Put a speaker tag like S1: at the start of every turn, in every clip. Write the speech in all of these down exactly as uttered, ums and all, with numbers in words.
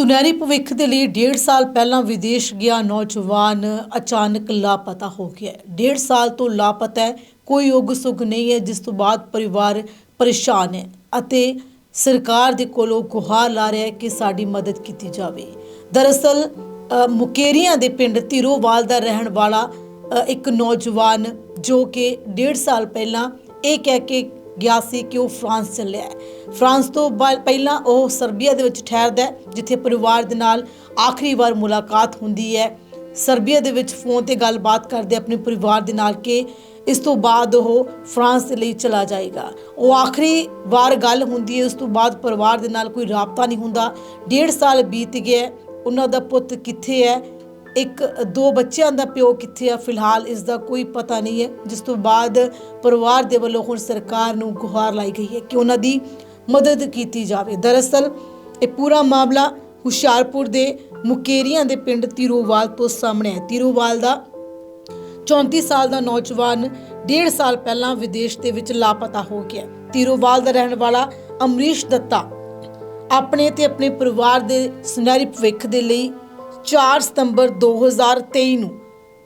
S1: ਸੁਨਹਿਰੀ ਭਵਿੱਖ ਦੇ ਲਈ डेढ़ ਸਾਲ ਪਹਿਲਾਂ ਵਿਦੇਸ਼ ਗਿਆ ਨੌਜਵਾਨ ਅਚਾਨਕ ਲਾਪਤਾ ਹੋ ਗਿਆ ਹੈ। डेढ़ ਸਾਲ ਤੋਂ ਲਾਪਤਾ ਹੈ, ਕੋਈ ਉਗ ਸੁਗ ਨਹੀਂ ਹੈ, ਜਿਸ ਤੋਂ ਬਾਅਦ ਪਰਿਵਾਰ ਪਰੇਸ਼ਾਨ ਹੈ ਅਤੇ ਸਰਕਾਰ ਦੇ ਕੋਲੋਂ ਗੁਹਾਰ ਲਾ ਰਿਹਾ ਹੈ ਕਿ ਸਾਡੀ ਮਦਦ ਕੀਤੀ ਜਾਵੇ। ਦਰਅਸਲ ਮੁਕੇਰੀਆਂ ਦੇ ਪਿੰਡ ਧੀਰੋਵਾਲ ਦਾ ਰਹਿਣ ਵਾਲਾ ਇੱਕ ਨੌਜਵਾਨ ਜੋ ਕਿ डेढ़ ਸਾਲ ਪਹਿਲਾਂ ਇਹ ਕਹਿ ਕੇ ਗਿਆ ਸੀ कि वो फ्रांस ਚੱਲਿਆ ਹੈ। फ्रांस ਤੋਂ ਪਹਿਲਾਂ ਉਹ ਸਰਬੀਆ ਦੇ ਵਿੱਚ ਠਹਿਰਦਾ ਹੈ, ਜਿੱਥੇ ਪਰਿਵਾਰ ਦੇ ਨਾਲ ਆਖਰੀ ਵਾਰ ਮੁਲਾਕਾਤ ਹੁੰਦੀ ਹੈ। ਸਰਬੀਆ ਦੇ ਵਿੱਚ ਫੋਨ ਤੇ ਗੱਲਬਾਤ ਕਰਦੇ ਆਪਣੇ ਪਰਿਵਾਰ ਦੇ ਨਾਲ ਕਿ ਇਸ ਤੋਂ ਬਾਅਦ ਉਹ ਫਰਾਂਸ ਦੇ ਲਈ ਚਲਾ ਜਾਏਗਾ। ਉਹ ਆਖਰੀ ਵਾਰ ਗੱਲ ਹੁੰਦੀ ਹੈ, ਉਸ ਤੋਂ ਬਾਅਦ ਪਰਿਵਾਰ ਦੇ ਨਾਲ ਕੋਈ ਰਾਬਤਾ ਨਹੀਂ ਹੁੰਦਾ। डेढ़ ਸਾਲ ਬੀਤ ਗਿਆ, ਉਹਨਾਂ ਦਾ ਪੁੱਤ ਕਿੱਥੇ ਹੈ, ਇੱਕ ਦੋ ਬੱਚਿਆਂ ਦਾ ਪਿਓ ਕਿੱਥੇ ਆ, ਫਿਲਹਾਲ ਇਸ ਦਾ ਕੋਈ ਪਤਾ ਨਹੀਂ ਹੈ। ਜਿਸ ਤੋਂ ਬਾਅਦ ਪਰਿਵਾਰ ਦੇ ਵੱਲੋਂ ਹੁਣ ਸਰਕਾਰ ਨੂੰ ਗੁਹਾਰ ਲਾਈ ਗਈ ਹੈ ਕਿ ਉਹਨਾਂ ਦੀ ਮਦਦ ਕੀਤੀ ਜਾਵੇ। ਦਰਅਸਲ ਇਹ ਪੂਰਾ ਮਾਮਲਾ ਹੁਸ਼ਿਆਰਪੁਰ ਦੇ ਮੁਕੇਰੀਆਂ ਦੇ ਪਿੰਡ ਧੀਰੋਵਾਲ ਤੋਂ ਸਾਹਮਣੇ ਹੈ। ਧੀਰੋਵਾਲ ਦਾ चौंतीस ਸਾਲ ਦਾ ਨੌਜਵਾਨ डेढ़ ਸਾਲ ਪਹਿਲਾਂ ਵਿਦੇਸ਼ ਦੇ ਵਿੱਚ ਲਾਪਤਾ ਹੋ ਗਿਆ। ਧੀਰੋਵਾਲ ਦਾ ਰਹਿਣ ਵਾਲਾ ਅਮਰੀਸ਼ ਦੱਤਾ ਆਪਣੇ ਤੇ ਆਪਣੇ ਪਰਿਵਾਰ ਦੇ ਸੁਨਹਿਰੀ ਭਵਿੱਖ ਦੇ ਲਈ चार ਸਤੰਬਰ दो हज़ार तेईस ਨੂੰ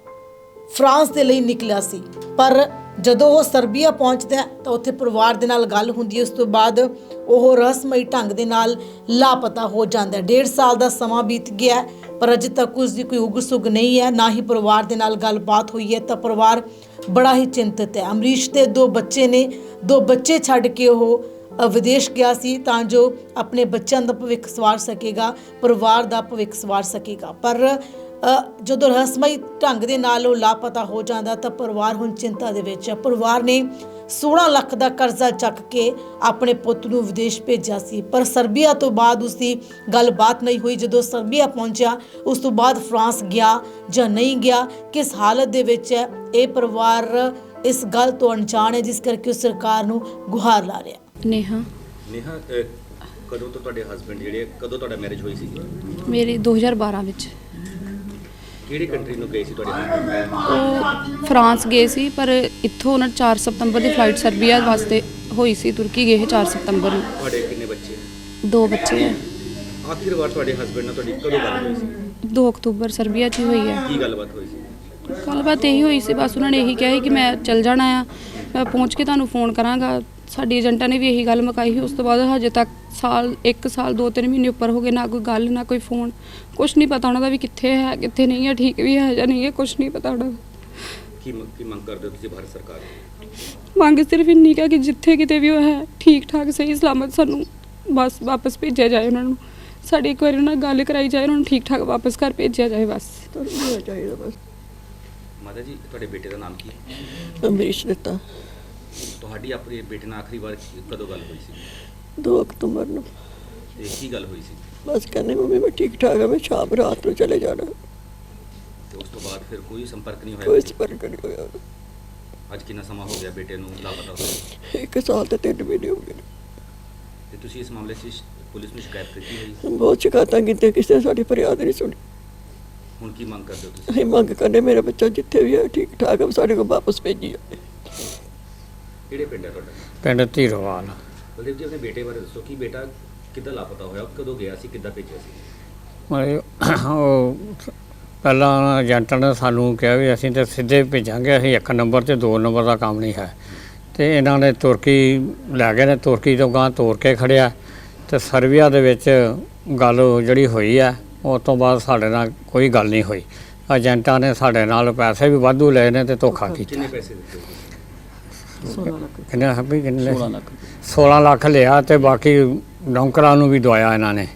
S1: ਫਰਾਂਸ ਦੇ ਲਈ ਨਿਕਲਿਆ ਸੀ, ਪਰ ਜਦੋਂ ਉਹ ਸਰਬੀਆ ਪਹੁੰਚਦਾ ਤਾਂ ਉੱਥੇ ਪਰਿਵਾਰ ਦੇ ਨਾਲ ਗੱਲ ਹੁੰਦੀ ਹੈ। ਉਸ ਤੋਂ ਬਾਅਦ ਉਹ ਰਹੱਸਮਈ ਢੰਗ ਦੇ ਨਾਲ ਲਾਪਤਾ ਹੋ ਜਾਂਦਾ ਹੈ। डेढ़ ਸਾਲ ਦਾ ਸਮਾਂ ਬੀਤ ਗਿਆ, ਪਰ ਅਜੇ ਤੱਕ ਉਸ ਦੀ ਕੋਈ ਉਗ ਸੁਗ ਨਹੀਂ ਹੈ, ਨਾ ਹੀ ਪਰਿਵਾਰ ਦੇ ਨਾਲ ਗੱਲਬਾਤ ਹੋਈ ਹੈ। ਤਾਂ ਪਰਿਵਾਰ ਬੜਾ ਹੀ ਚਿੰਤਤ ਹੈ। ਅਮਰੀਸ਼ ਦੇ ਦੋ ਬੱਚੇ ਨੇ, ਦੋ ਬੱਚੇ ਛੱਡ ਕੇ ਉਹ ਵਿਦੇਸ਼ ਗਿਆ ਸੀ ਤਾਂ ਜੋ ਆਪਣੇ ਬੱਚਿਆਂ ਦਾ ਭਵਿੱਖ ਸਵਾਰ ਸਕੇਗਾ, ਪਰਿਵਾਰ ਦਾ ਭਵਿੱਖ ਸਵਾਰ ਸਕੇਗਾ। ਪਰ ਜਦੋਂ ਰਹੱਸਮਈ ਢੰਗ ਦੇ ਨਾਲ ਉਹ ਲਾਪਤਾ ਹੋ ਜਾਂਦਾ ਤਾਂ ਪਰਿਵਾਰ ਹੁਣ ਚਿੰਤਾ ਦੇ ਵਿੱਚ ਹੈ। ਪਰਿਵਾਰ ਨੇ सोलह ਲੱਖ ਦਾ ਕਰਜ਼ਾ ਚੱਕ ਕੇ ਆਪਣੇ ਪੁੱਤ ਨੂੰ ਵਿਦੇਸ਼ ਭੇਜਿਆ ਸੀ, ਪਰ ਸਰਬੀਆ ਤੋਂ ਬਾਅਦ ਉਸ ਦੀ ਗੱਲਬਾਤ ਨਹੀਂ ਹੋਈ। ਜਦੋਂ ਸਰਬੀਆ ਪਹੁੰਚਿਆ ਉਸ ਤੋਂ ਬਾਅਦ ਫਰਾਂਸ ਗਿਆ ਜਾਂ ਨਹੀਂ ਗਿਆ, ਕਿਸ ਹਾਲਤ ਦੇ ਵਿੱਚ ਹੈ, ਇਹ ਪਰਿਵਾਰ ਇਸ ਗੱਲ ਤੋਂ ਅਣਜਾਣ ਹੈ, ਜਿਸ ਕਰਕੇ ਉਹ ਸਰਕਾਰ ਨੂੰ ਗੁਹਾਰ ਲਾ ਰਿਹਾ।
S2: नेहा
S3: नेहा ਕਦੋਂ ਤੋਂ ਤੁਹਾਡੇ ਹਸਬੰਡ ਜਿਹੜੇ ਕਦੋਂ ਤੁਹਾਡਾ ਮੈਰਿਜ ਹੋਈ ਸੀ?
S2: ਮੇਰੀ दो हज़ार बारह ਵਿੱਚ।
S3: ਕਿਹੜੀ ਕੰਟਰੀ ਨੂੰ ਗਏ ਸੀ ਤੁਹਾਡੇ ਹਸਬੰਡ?
S2: ਉਹ ਫਰਾਂਸ ਗਏ ਸੀ, ਪਰ ਇੱਥੋਂ ਉਹਨਾਂ चार ਸਤੰਬਰ ਦੀ ਫਲਾਈਟ ਸਰਬੀਆ ਵਾਸਤੇ ਹੋਈ ਸੀ। ਤੁਰਕੀ ਗਏ ਚਾਰ ਸਤੰਬਰ ਨੂੰ।
S3: ਤੁਹਾਡੇ ਕਿੰਨੇ ਬੱਚੇ?
S2: ਦੋ ਬੱਚੇ ਹੈ।
S3: ਆਖਿਰ ਵਾਰ ਤੁਹਾਡੇ ਹਸਬੰਡ ਨਾਲ ਤੁਹਾਡੀ ਕਦੋਂ ਗੱਲ ਹੋਈ ਸੀ?
S2: दो ਅਕਤੂਬਰ ਸਰਬੀਆ 'ਚ ਹੀ ਹੋਈ ਹੈ।
S3: ਕੀ ਗੱਲਬਾਤ ਹੋਈ ਸੀ?
S2: ਗੱਲਬਾਤ ਇਹੀ ਹੋਈ ਸੀ, ਬਸ ਉਹਨਾਂ ਨੇ ਇਹੀ ਕਿਹਾ ਸੀ ਕਿ ਮੈਂ ਚੱਲ ਜਾਣਾ ਆ, ਮੈਂ ਪਹੁੰਚ ਕੇ ਤੁਹਾਨੂੰ ਫੋਨ ਕਰਾਂਗਾ। ਸਾਡੀ ਏਜੰਟਾਂ ਨੇ ਵੀ ਇਹੀ ਗੱਲ ਮੁਕਾਈ ਸੀ। ਉਸ ਤੋਂ ਬਾਅਦ ਹਜੇ ਤੱਕ ਸਾਲ ਇੱਕ ਸਾਲ ਦੋ ਤਿੰਨ ਮਹੀਨੇ ਉੱਪਰ ਹੋ ਗਏ, ਨਾ ਕੋਈ ਗੱਲ ਨਾ ਕੋਈ ਫੋਨ, ਕੁਛ ਨਹੀਂ ਪਤਾ ਉਹਨਾਂ ਦਾ ਵੀ ਕਿੱਥੇ ਹੈ ਕਿੱਥੇ ਨਹੀਂ ਹੈ, ਠੀਕ ਵੀ ਹੈ ਜਾਂ ਨਹੀਂ ਹੈ, ਕੁਛ ਨਹੀਂ ਪਤਾ ਉਹਨਾਂ ਦਾ।
S3: ਕੀ ਕੀ ਮੰਗ ਕਰਦੇ ਹੋ ਤੁਸੀਂ ਭਾਰਤ ਸਰਕਾਰ ਤੋਂ?
S2: ਮੰਗ ਸਿਰਫ ਇੰਨੀ ਕੁ ਹੈ ਕਿ ਜਿੱਥੇ ਕਿਤੇ ਵੀ ਉਹ ਹੈ ਠੀਕ ਠਾਕ ਸਹੀ ਸਲਾਮਤ ਸਾਨੂੰ ਬਸ ਵਾਪਸ ਭੇਜਿਆ ਜਾਏ। ਉਹਨਾਂ ਨੂੰ ਸਾਡੀ ਇੱਕ ਵਾਰੀ ਉਹਨਾਂ ਨਾਲ ਗੱਲ ਕਰਾਈ ਜਾਏ, ਉਹਨਾਂ ਨੂੰ ਠੀਕ ਠਾਕ ਵਾਪਸ ਘਰ ਭੇਜਿਆ ਜਾਏ, ਬਸ ਚਾਹੀਦਾ ਬਸ।
S3: ਮਾਤਾ ਜੀ, ਤੁਹਾਡੇ ਬੇਟੇ ਦਾ ਨਾਮ ਕੀ ਹੈ?
S4: ਅਮਰੀਸ਼ ਦਿੱਤਾ।
S3: ਤੁਹਾਡੀ ਆਪਣੇ ਬੇਟੇ ਨਾਲ ਆਖਰੀ ਵਾਰ ਕਦੋਂ ਗੱਲ ਹੋਈ ਸੀ?
S4: दो अक्टूबर ਨੂੰ।
S3: ਤੇ ਕੀ ਗੱਲ ਹੋਈ ਸੀ?
S4: ਬਸ ਕਹਿੰਦੇ ਮੰਮੀ ਮੈਂ ਠੀਕ ਠਾਕ ਹਾਂ, ਮੈਂ ਸ਼ਾਮ ਰਾਤ ਨੂੰ ਚਲੇ ਜਾਣਾ।
S3: ਤੇ ਉਸ ਤੋਂ ਬਾਅਦ ਫਿਰ ਕੋਈ ਸੰਪਰਕ ਨਹੀਂ
S4: ਕੋਈ
S3: ਹੋਇਆ?
S4: ਸੰਪਰਕ ਨਹੀਂ ਹੋਇਆ।
S3: ਅੱਜ ਕਿੰਨਾ ਸਮਾਂ ਹੋ ਗਿਆ ਬੇਟੇ ਨੂੰ ਲਾਪਤਾ ਹੋਏ?
S4: ਇੱਕ ਸਾਲ ਤੇ ਤਿੰਨ ਮਹੀਨੇ ਹੋ ਗਏ ਨੇ।
S3: ਤੇ ਤੁਸੀਂ ਇਸ ਮਾਮਲੇ 'ਚ ਪੁਲਿਸ ਨੂੰ ਸ਼ਿਕਾਇਤ ਕੀਤੀ ਹੋਈ?
S4: ਬਹੁਤ ਸ਼ਿਕਾਇਤਾਂ ਕੀਤੀਆਂ, ਕਿਸੇ ਨੇ ਸਾਡੀ ਫਰਿਆਦ ਨਹੀਂ ਸੁਣੀ।
S3: ਹੁਣ ਕੀ ਮੰਗ ਕਰਦੇ ਹੋ ਤੁਸੀਂ?
S4: ਅਸੀਂ ਮੰਗ ਕਰਦੇ ਮੇਰਾ ਬੱਚਾ ਜਿੱਥੇ ਵੀ ਹੈ ਠੀਕ ਠਾਕ ਹੈ, ਸਾਡੇ ਕੋਲ ਵਾਪਸ ਭੇਜੀ ਜਾਵੇ।
S3: ਕਿਹੜੇ ਪਿੰਡ ਹੈ ਤੁਹਾਡਾ?
S5: ਪਿੰਡ ਧੀਰੋਵਾਲ।
S3: ਬਲਦੇਵ ਜੀ, ਆਪਣੇ ਬੇਟੇ ਬਾਰੇ ਦੱਸੋ ਕਿ ਬੇਟਾ ਕਿੱਦਾਂ ਲਾਪਤਾ ਹੋਇਆ, ਕਦੋਂ ਗਿਆ ਸੀ, ਕਿੱਦਾਂ ਭੇਜਿਆ ਸੀ?
S5: ਮਤਲਬ ਉਹ ਪਹਿਲਾਂ ਏਜੰਟਾਂ ਨੇ ਸਾਨੂੰ ਕਿਹਾ ਵੀ ਅਸੀਂ ਤਾਂ ਸਿੱਧੇ ਭੇਜਾਂਗੇ, ਅਸੀਂ ਇੱਕ ਨੰਬਰ ਤੇ ਦੋ ਨੰਬਰ ਦਾ ਕੰਮ ਨਹੀਂ ਹੈ। ਤੇ ਇਹਨਾਂ ਨੇ ਤੁਰਕੀ ਲੈ ਗਏ ਨੇ, ਤੁਰਕੀ ਤੋਂ ਗਾਂ ਤੋਰ ਕੇ ਖੜਿਆ ਤੇ ਸਰਬੀਆ ਦੇ ਵਿੱਚ ਗੱਲ ਜਿਹੜੀ ਹੋਈ ਹੈ ਉਸ ਤੋਂ ਬਾਅਦ ਸਾਡੇ ਨਾਲ ਕੋਈ ਗੱਲ ਨਹੀਂ ਹੋਈ। ਏਜੰਟਾਂ ਨੇ ਸਾਡੇ ਨਾਲ ਪੈਸੇ ਵੀ ਵਾਧੂ ਲਏ ਨੇ ਤੇ ਧੋਖਾ ਕੀਤਾ।
S3: ਕਿੰਨੇ ਪੈਸੇ ਦਿੱਤੇ?
S5: ਕਿੰਨੇ ਵੀ ਕਿੰਨੇ सोलह ਲੱਖ ਲਿਆ ਤੇ ਬਾਕੀ ਨੌਕਰਾਂ ਨੂੰ ਵੀ ਦਵਾਇਆ ਇਹਨਾਂ ਨੇ।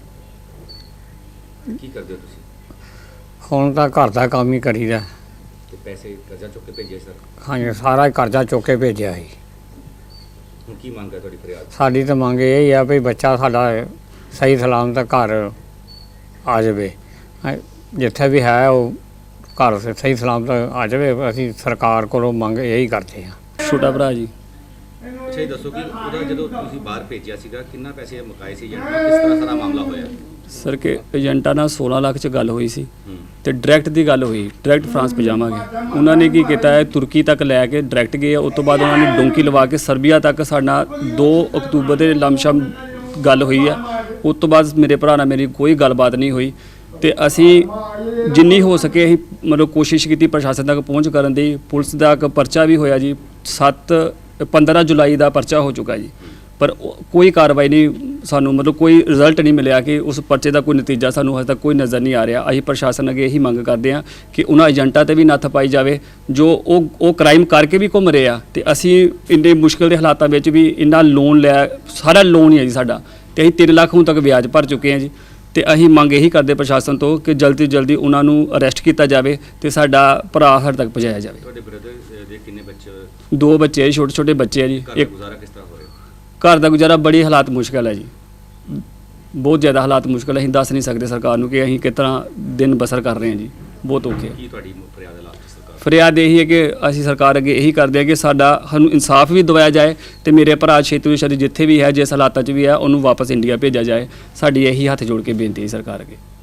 S3: ਕੀ ਕਰਦੇ ਹੋ ਤੁਸੀਂ?
S5: ਹੁਣ ਤਾਂ ਘਰ ਦਾ ਕੰਮ ਹੀ ਕਰੀਦਾ।
S3: ਤੇ ਪੈਸੇ ਕਰਜ਼ਾ ਚੁੱਕ ਕੇ ਭੇਜੇ ਸਰ?
S5: ਹਾਂਜੀ, ਸਾਰਾ ਹੀ ਕਰਜ਼ਾ ਚੁੱਕ ਕੇ ਭੇਜਿਆ ਸੀ।
S3: ਹੁਣ ਕੀ ਮੰਗ ਹੈ ਤੁਹਾਡੀ ਫਰਿਆਦ?
S5: ਸਾਡੀ ਤਾਂ ਮੰਗ ਇਹ ਹੀ ਆ ਵੀ ਬੱਚਾ ਸਾਡਾ ਸਹੀ ਸਲਾਮਤ ਘਰ ਆ ਜਾਵੇ, ਜਿੱਥੇ ਵੀ ਹੈ ਉਹ ਘਰ ਸਹੀ ਸਲਾਮਤ ਆ ਜਾਵੇ। ਅਸੀਂ ਸਰਕਾਰ ਕੋਲੋਂ ਮੰਗ ਇਹੀ ਕਰਦੇ ਹਾਂ।
S6: ਛੋਟਾ ਭਰਾ ਜੀ।
S3: ਅੱਛਾ, ਇਹ ਦੱਸੋ ਕਿ ਉਹਦਾ ਜਦੋਂ ਤੁਸੀਂ ਬਾਹਰ ਭੇਜਿਆ ਸੀਗਾ ਕਿੰਨਾ ਪੈਸੇ ਮੁਕਾਏ ਸੀ ਏਜੰਟ ਨਾਲ, ਕਿਸ ਤਰ੍ਹਾਂ ਸਾਰਾ ਮਾਮਲਾ ਹੋਇਆ?
S6: ਸਰ ਕਿ ਏਜੰਟਾਂ ਨਾਲ सोलह ਲੱਖ 'ਚ ਗੱਲ ਹੋਈ ਸੀ
S3: ਹੂੰ।
S6: ਤੇ ਡਾਇਰੈਕਟ ਦੀ ਗੱਲ ਹੋਈ, ਡਾਇਰੈਕਟ ਫਰਾਂਸ ਪਜਾਵਾਂਗੇ। ਉਹਨਾਂ ਨੇ ਕੀ ਕੀਤਾ ਹੈ, ਤੁਰਕੀ ਤੱਕ ਲੈ ਕੇ ਡਾਇਰੈਕਟ ਗਏ। ਉਸ ਤੋਂ ਬਾਅਦ ਉਹਨਾਂ ਨੇ ਡੋਂਕੀ ਲਵਾ ਕੇ ਸਰਬੀਆ ਤੱਕ ਸਾਡਾ दो ਅਕਤੂਬਰ ਦੇ ਲਮਸ਼ਮ ਗੱਲ ਹੋਈ ਹੈ। ਉਸ ਤੋਂ ਬਾਅਦ ਮੇਰੇ ਭਰਾ ਨਾਲ ਮੇਰੀ ਕੋਈ ਗੱਲਬਾਤ ਨਹੀਂ ਹੋਈ ਤੇ ਅਸੀਂ ਜਿੰਨੀ ਹੋ ਸਕੇ ਅਸੀਂ ਮਤਲਬ ਕੋਸ਼ਿਸ਼ ਕੀਤੀ ਪ੍ਰਸ਼ਾਸਨ ਤੱਕ ਪਹੁੰਚ ਕਰਨ ਦੀ। ਪੁਲਿਸ ਦਾ ਇੱਕ ਪਰਚਾ ਵੀ ਹੋਇਆ ਜੀ, ਸੱਤ ਪੰਦਰਾਂ ਜੁਲਾਈ ਦਾ ਪਰਚਾ ਹੋ ਚੁੱਕਾ ਜੀ, ਪਰ ਉਹ- ਕੋਈ ਕਾਰਵਾਈ ਨਹੀਂ ਸਾਨੂੰ ਮਤਲਬ ਕੋਈ ਰਿਜ਼ਲਟ ਨਹੀਂ ਮਿਲਿਆ ਕਿ ਉਸ ਪਰਚੇ ਦਾ ਕੋਈ ਨਤੀਜਾ ਸਾਨੂੰ ਹਜੇ ਤੱਕ ਕੋਈ ਨਜ਼ਰ ਨਹੀਂ ਆ ਰਿਹਾ। ਅਸੀਂ ਪ੍ਰਸ਼ਾਸਨ ਅੱਗੇ ਇਹੀ ਮੰਗ ਕਰਦੇ ਹਾਂ ਕਿ ਉਹਨਾਂ ਏਜੰਟਾਂ ਤੇ ਵੀ ਨੱਥ ਪਾਈ ਜਾਵੇ ਜੋ ਉਹ ਉਹ ਕ੍ਰਾਈਮ ਕਰਕੇ ਵੀ ਘੁੰਮ ਰਹੇ ਆ ਤੇ ਅਸੀਂ ਇੰਨੇ ਮੁਸ਼ਕਲ ਦੇ ਹਾਲਾਤਾਂ ਵਿੱਚ ਵੀ ਇੰਨਾ ਲੋਨ ਲਿਆ, ਸਾਰਾ ਲੋਨ ਹੀ ਹੈ ਜੀ ਸਾਡਾ, ਤੇ ਅਸੀਂ ਤਿੰਨ ਲੱਖ ਹੁਣ ਤੱਕ ਵਿਆਜ ਭਰ ਚੁੱਕੇ ਹਾਂ ਜੀ। ਤੇ ਅਸੀਂ ਮੰਗ ਇਹੀ ਕਰਦੇ ਪ੍ਰਸ਼ਾਸਨ ਤੋਂ ਕਿ ਜਲਦੀ ਤੋਂ ਜਲਦੀ ਉਹਨਾਂ ਨੂੰ ਅਰੈਸਟ ਕੀਤਾ ਜਾਵੇ ਤੇ ਸਾਡਾ ਭਰਾ ਸਾਡੇ ਤੱਕ ਪਹੁੰਚਾਇਆ ਜਾਵੇ।
S3: ਤੁਹਾਡੇ ਬ੍ਰਦਰ ਦੇ ਕਿੰਨੇ ਬੱਚੇ,
S6: ਦੋ ਬੱਚੇ ਆ ਜੀ, ਛੋਟੇ ਛੋਟੇ ਬੱਚੇ ਆ ਜੀ।
S3: ਘਰ ਦਾ
S6: ਇੱਕ
S3: ਗੁਜ਼ਾਰਾ ਕਿਸ ਤਰ੍ਹਾਂ ਹੋ ਰਿਹਾ?
S6: ਘਰ ਦਾ ਗੁਜ਼ਾਰਾ ਬੜੀ ਹਾਲਾਤ ਮੁਸ਼ਕਲ ਹੈ ਜੀ, ਬਹੁਤ ਜ਼ਿਆਦਾ ਹਾਲਾਤ ਮੁਸ਼ਕਲ ਹੈ। ਅਸੀਂ ਦੱਸ ਨਹੀਂ ਸਕਦੇ ਸਰਕਾਰ ਨੂੰ ਕਿ ਅਸੀਂ ਕਿਸ ਤਰ੍ਹਾਂ ਦਿਨ ਬਸਰ ਕਰ ਰਹੇ ਹਾਂ ਜੀ, ਬਹੁਤ ਔਖੇ ਹੈ।
S3: ਕੀ ਤੁਹਾਡੀ ਫਰਿਆਦ ਹੈ ਲਾਸਟ ਸਰਕਾਰ?
S6: ਫਰਿਆਦ ਇਹੀ ਹੈ ਕਿ ਅਸੀਂ ਸਰਕਾਰ ਅੱਗੇ ਇਹੀ ਕਰਦੇ ਹਾਂ ਕਿ ਸਾਡਾ ਸਾਨੂੰ ਇਨਸਾਫ ਵੀ ਦਿਵਾਇਆ ਜਾਏ ਤੇ ਮੇਰੇ ਭਰਾ ਛੇਤੀ ਤੋਂ ਛੇਤੀ ਜਿੱਥੇ ਵੀ ਹੈ, ਜਿਸ ਹਾਲਾਤਾਂ 'ਚ ਵੀ ਹੈ, ਉਹਨੂੰ ਵਾਪਸ ਇੰਡੀਆ ਭੇਜਿਆ ਜਾਏ। ਸਾਡੀ ਇਹੀ ਹੱਥ ਜੋੜ ਕੇ ਬੇਨਤੀ ਹੈ ਸਰਕਾਰ ਅੱਗੇ।